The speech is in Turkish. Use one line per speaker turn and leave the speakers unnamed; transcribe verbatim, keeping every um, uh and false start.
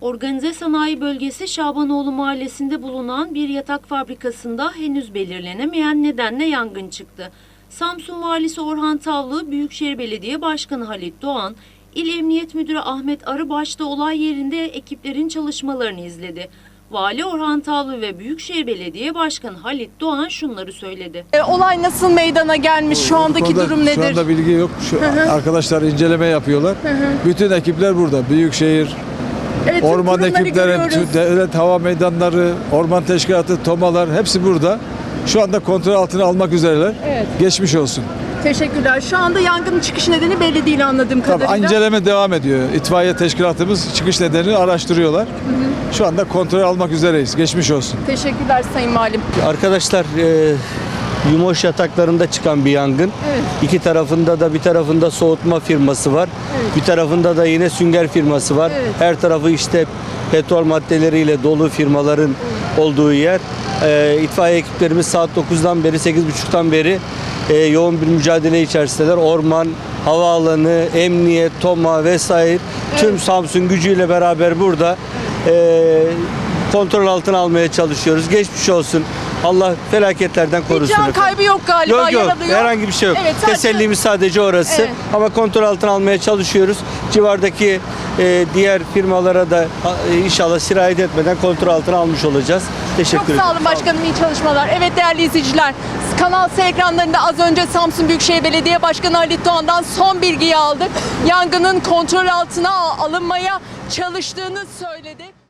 Organize Sanayi Bölgesi Şabanoğlu Mahallesi'nde bulunan bir yatak fabrikasında henüz belirlenemeyen nedenle yangın çıktı. Samsun Valisi Orhan Tavlı, Büyükşehir Belediye Başkanı Halit Doğan, İl Emniyet Müdürü Ahmet Arı başta olay yerinde ekiplerin çalışmalarını izledi. Vali Orhan Tavlı ve Büyükşehir Belediye Başkanı Halit Doğan şunları söyledi.
E, olay nasıl meydana gelmiş? Şu andaki
Konuda,
durum nedir?
Şu anda bilgi yok. Şu
Hı hı.
arkadaşlar inceleme yapıyorlar.
Hı hı.
Bütün ekipler burada. Büyükşehir,
Evet, tüm
orman
kurumları
ekipleri,
görüyoruz.
devlet hava meydanları, orman teşkilatı, tomalar hepsi burada. Şu anda kontrol altına almak üzereler.
Evet.
Geçmiş olsun.
Teşekkürler. Şu anda yangının çıkış nedeni belli değil anladığım
Tabii
kadarıyla.
inceleme devam ediyor. İtfaiye teşkilatımız çıkış nedenini araştırıyorlar. Hı hı. Şu anda kontrol almak üzereyiz. Geçmiş olsun.
Teşekkürler Sayın Valim.
Arkadaşlar e, Yumoş yataklarında çıkan bir yangın.
Evet.
İki tarafında da bir tarafında soğutma firması var.
Evet.
Bir tarafında da yine sünger firması var.
Evet.
Her tarafı işte petrol maddeleriyle dolu firmaların olduğu yer. E, itfaiye ekiplerimiz saat dokuzdan beri sekiz buçuktan beri e, yoğun bir mücadele içerisindeler. Orman, havaalanı, emniyet, TOMA vesaire tüm
Evet.
Samsun gücüyle beraber burada e, kontrol altına almaya çalışıyoruz. Geçmiş olsun. Allah felaketlerden korusun.
Bir can
efendim.
kaybı yok galiba.
Yok yok,
yaralı yok.
herhangi bir şey yok.
Evet, sadece-
Tesellimiz sadece orası.
Evet.
Ama kontrol altına almaya çalışıyoruz. Civardaki e, diğer firmalara da e, inşallah sirayet etmeden kontrol altına almış olacağız. Teşekkür
Çok
ederim.
sağ olun başkanım, iyi çalışmalar. Evet değerli izleyiciler, Kanal S ekranlarında az önce Samsun Büyükşehir Belediye Başkanı Halit Doğan'dan son bilgiyi aldık. Yangının kontrol altına alınmaya çalıştığını söyledi.